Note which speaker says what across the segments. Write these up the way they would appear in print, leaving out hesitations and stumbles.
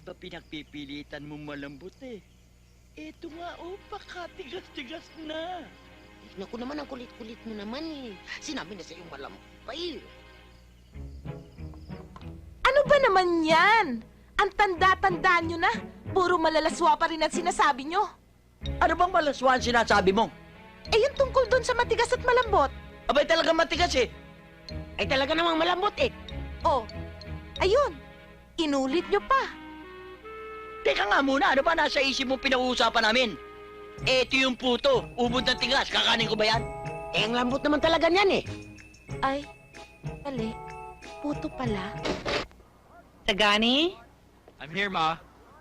Speaker 1: ba pinagpipilitan mo malambot eh? Eto nga pakatigas-tigas na.
Speaker 2: Naku naman, ang kulit-kulit mo naman eh. Sinabi na sa'yo malampay.
Speaker 3: Ano ba naman yan? Ang tanda-tanda nyo na. Puro malalaswa pa rin ang sinasabi nyo.
Speaker 1: Ano bang malaswan sinasabi mo?
Speaker 3: Eh yung tungkol doon sa matigas at malambot.
Speaker 1: Abay talaga matigas eh.
Speaker 2: Ay talaga namang malambot eh.
Speaker 3: Oh, ayun. Inulit nyo pa.
Speaker 1: Teka nga muna, ano ba nasa isip mo pinag-uusapan namin? Eto yung puto, ubod ng tigas, kakanin ko ba yan?
Speaker 2: Eh, ang lambot naman talaga niyan eh.
Speaker 3: Ay, mali. Puto pala.
Speaker 4: Tagani?
Speaker 1: I'm here, Ma.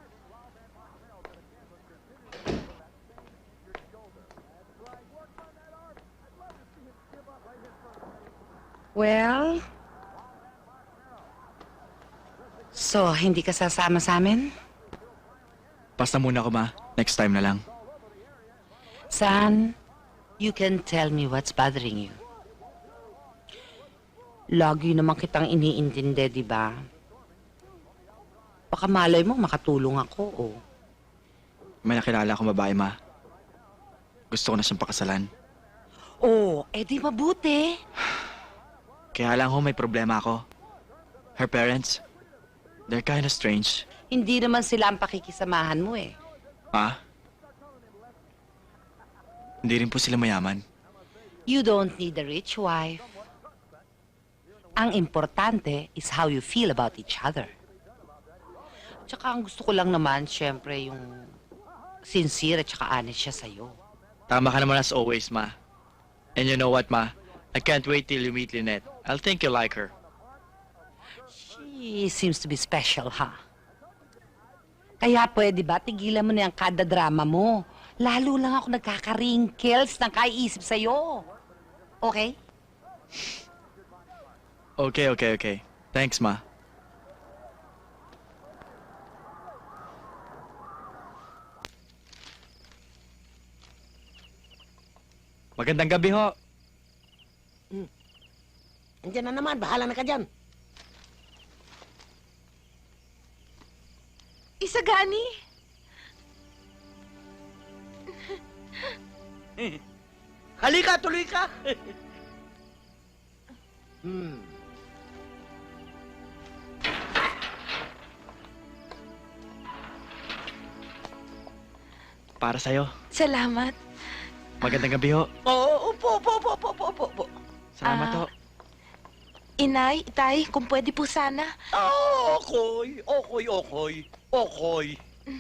Speaker 4: Well? So, hindi ka sasama sa amin?
Speaker 5: Basta muna ako, Ma. Next time na lang.
Speaker 4: San, you can tell me what's bothering you. Lagi naman kitang iniintindi, di ba? Baka malay mo makatulong ako, oh.
Speaker 5: May nakilala akong babae, Ma. Gusto ko na siyang pakasalan.
Speaker 4: Oh, edi mabuti.
Speaker 5: Kaya lang ho, may problema ako. Her parents, they're kinda strange.
Speaker 4: Hindi naman sila ang pakikisamahan mo, eh.
Speaker 5: Ma? Hindi rin po sila mayaman.
Speaker 4: You don't need a rich wife. Ang importante is how you feel about each other. Tsaka ang gusto ko lang naman, syempre, yung sincere at tsaka honest siya sa'yo.
Speaker 5: Tama ka naman as always, Ma. And you know what, Ma? I can't wait till you meet Lynette. I'll think you like her.
Speaker 4: She seems to be special, ha? Kaya pwede ba, tigilan mo na yung kada drama mo. Lalo lang ako nagkaka-wrinkles ng kaiisip sa'yo. Okay?
Speaker 5: Okay. Thanks, Ma. Magandang gabi ho.
Speaker 2: Andiyan na naman, bahala na ka dyan.
Speaker 3: Isagani?
Speaker 1: Halika, tuloy ka.
Speaker 5: Para sa'yo.
Speaker 3: Salamat.
Speaker 5: Magandang gabi ho.
Speaker 1: Oo, upo.
Speaker 5: Salamat
Speaker 3: Ah.
Speaker 5: ho.
Speaker 3: Inay, Itay, kung pwede po sana.
Speaker 1: Okay.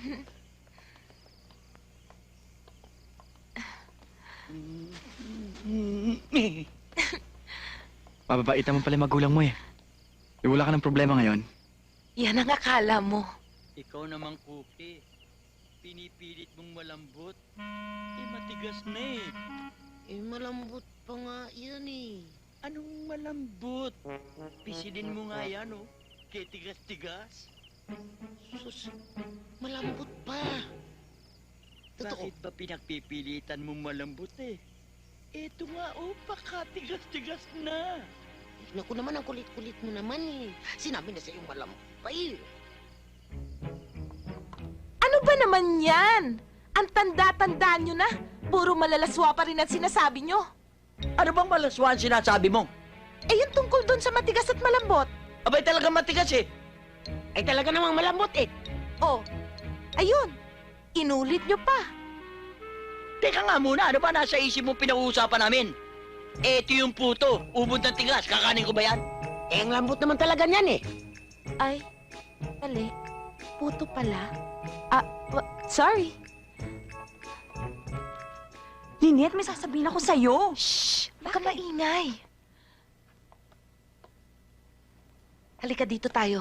Speaker 5: Mababait naman pala yung magulang mo eh. Wala ka ng problema ngayon.
Speaker 3: Yan ang akala mo.
Speaker 1: Ikaw namang Cookie. Pinipilit mong malambot. Matigas na eh.
Speaker 2: Eh, malambot pa nga yan eh.
Speaker 1: Anong malambot? Pisilin mo nga yan, oh. Kaya tigas-tigas.
Speaker 2: Sus, malambot pa. Totoo.
Speaker 1: Bakit ba pinagpipilitan mo malambot eh? Eto nga, pakatigas-tigas na.
Speaker 2: Naku naman, ang kulit-kulit mo naman eh. Sinabi na sa'yo malampay.
Speaker 3: Ano ba naman yan? Ang tanda-tanda nyo na. Puro malalaswa pa rin ang sinasabi nyo.
Speaker 1: Ano bang malaswan sinasabi mo?
Speaker 3: Eh yung tungkol doon sa matigas at malambot.
Speaker 1: Abay talaga matigas eh.
Speaker 2: Ay talaga namang malambot eh.
Speaker 3: Oh, ayun. Inulit nyo pa.
Speaker 1: Teka nga muna, ano ba nasa isip mo pinag-uusapan namin? Eto yung puto, ubod ng tigas, kakanin ko ba yan?
Speaker 2: Eh, ang lambot naman talaga niyan eh.
Speaker 3: Ay, mali. Puto pala. Sorry.
Speaker 6: Lynette, may sasabihin ako sa'yo.
Speaker 3: Shh! Huwag ka maingay. Halika dito tayo.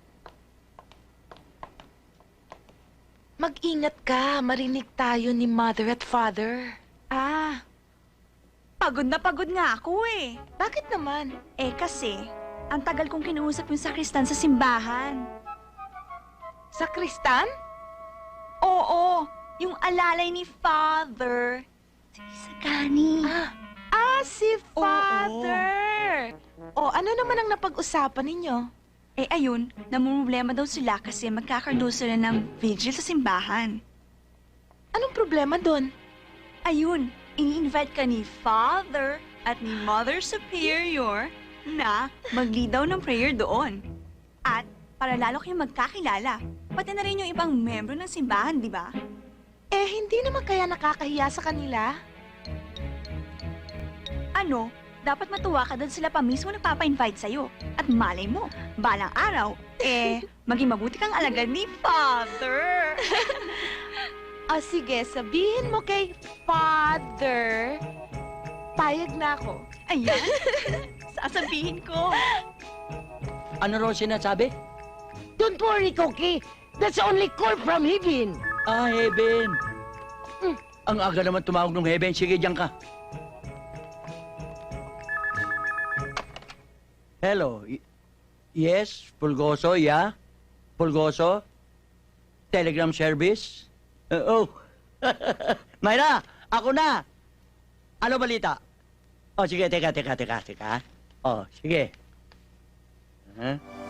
Speaker 3: Mag-ingat ka. Marinig tayo ni Mother at Father.
Speaker 6: Ah, pagod na pagod nga ako eh.
Speaker 3: Bakit naman?
Speaker 6: Eh kasi, ang tagal kong kinuusap yung sakristan sa simbahan.
Speaker 3: Sa Kristan?
Speaker 6: Oo, yung alalay ni Father. Si Isagani.
Speaker 3: Si Father! O, ano naman ang napag-usapan ninyo?
Speaker 6: Eh ayun, namumroblema daw sila kasi magkakaroon daw sila ng vigil sa simbahan.
Speaker 3: Anong problema doon?
Speaker 6: Ayun, ini-invite ka ni Father at ni Mother Superior na mag-lead daw ng prayer doon. At para lalo kayong magkakilala, pati na rin yung ibang membro ng simbahan, di ba?
Speaker 3: Eh, hindi naman kaya nakakahiya sa kanila?
Speaker 6: Ano, dapat matuwa ka doon sila pa mismo nagpapa-invite sa'yo. At malay mo, balang araw, maging mabuti kang alagad ni Father.
Speaker 3: O sige, sabihin mo kay Father. Payag na ako.
Speaker 6: Ayan, sasabihin ko.
Speaker 1: Ano raw sinasabi?
Speaker 2: Don't worry, Cookie. That's only call from heaven.
Speaker 1: Ah, Heaven. Ang aga naman tumawag ng Heaven. Sige, diyan ka. Hello. Yes, Pulgoso, yeah? Pulgoso? Telegram service? Oh. Mayra, ako na. Ano balita? Oh, sige, teka. Oh, sige. Huh?